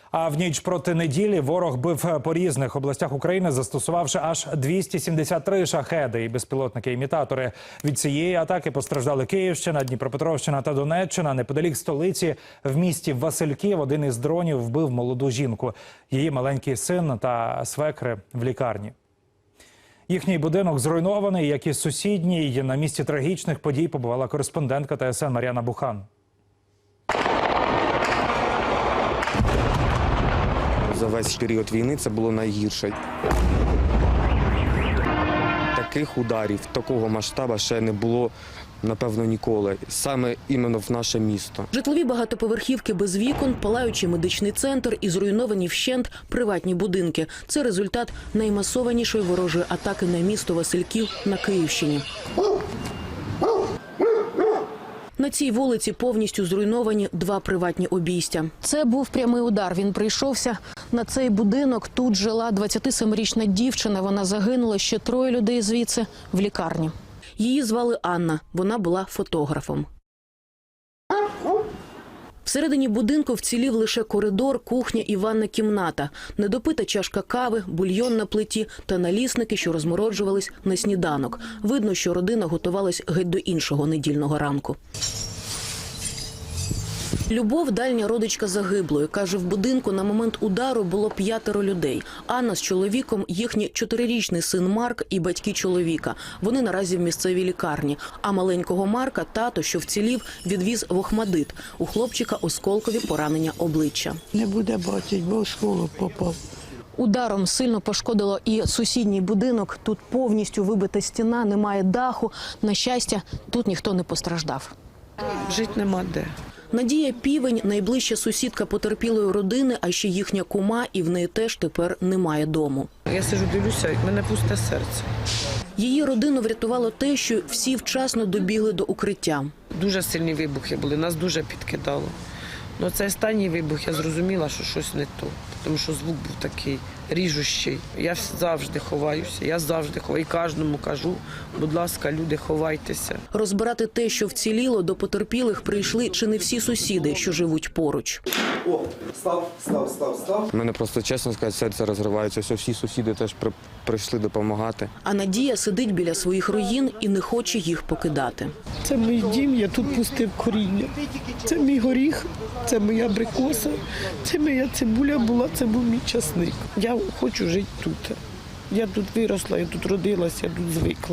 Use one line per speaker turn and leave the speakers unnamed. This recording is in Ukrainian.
А в ніч проти неділі ворог бив по різних областях України, застосувавши аж 273 шахеди і безпілотники-імітатори. Від цієї атаки постраждали Київщина, Дніпропетровщина та Донеччина. Неподалік столиці в місті Васильків один із дронів вбив молоду жінку. Її маленький син та свекри в лікарні. Їхній будинок зруйнований, як і сусідній. На місці трагічних подій побувала кореспондентка ТСН Мар'яна Бухан.
За весь період війни це було найгірше. Таких ударів, такого масштабу ще не було, напевно, ніколи. Саме іменно в наше місто.
Житлові багатоповерхівки без вікон, палаючий медичний центр і зруйновані вщент приватні будинки. Це результат наймасованішої ворожої атаки на місто Васильків на Київщині. На цій вулиці повністю зруйновані 2 приватні обійстя. Це був прямий удар. Він прийшовся на цей будинок. Тут жила 27-річна дівчина. Вона загинула, ще 3 людей звідси в лікарні. Її звали Анна. Вона була фотографом. Всередині будинку вцілів лише коридор, кухня і ванна кімната. Недопита чашка кави, бульйон на плиті та налісники, що розмороджувались на сніданок. Видно, що родина готувалась геть до іншого недільного ранку. Любов – дальня родичка загиблої. Каже, в будинку на момент удару було 5 людей. Анна з чоловіком, їхній 4-річний син Марк і батьки чоловіка. Вони наразі в місцевій лікарні. А маленького Марка тато, що вцілів, відвіз в Охмадит. У хлопчика осколкові поранення обличчя.
Не буде бачити, бо в школу попав.
Ударом сильно пошкодило і сусідній будинок. Тут повністю вибита стіна, немає даху. На щастя, тут ніхто не постраждав.
Жити нема де.
Надія Півень – найближча сусідка потерпілої родини, а ще їхня кума, і в неї теж тепер немає дому.
Я сиджу, дивлюся, в мене пусте серце.
Її родину врятувало те, що всі вчасно добігли до укриття.
Дуже сильні вибухи були, нас дуже підкидало. Ну, цей останній вибух, я зрозуміла, що щось не то, тому що звук був такий ріжущий. Я завжди ховаюся, я завжди ховаю. І кожному кажу, будь ласка, люди, ховайтеся.
Розбирати те, що вціліло, до потерпілих прийшли чи не всі сусіди, що живуть поруч.
О, став.
У мене просто, чесно сказати, серце розривається. Ось всі сусіди теж прийшли допомагати.
А Надія сидить біля своїх руїн і не хоче їх покидати.
Це мій дім, я тут пустив коріння. Це мій горіх, це моя абрикоса, це моя цибуля була, це був мій часник. Я хочу жити тут. Я тут виросла, я тут родилася, я тут звикла.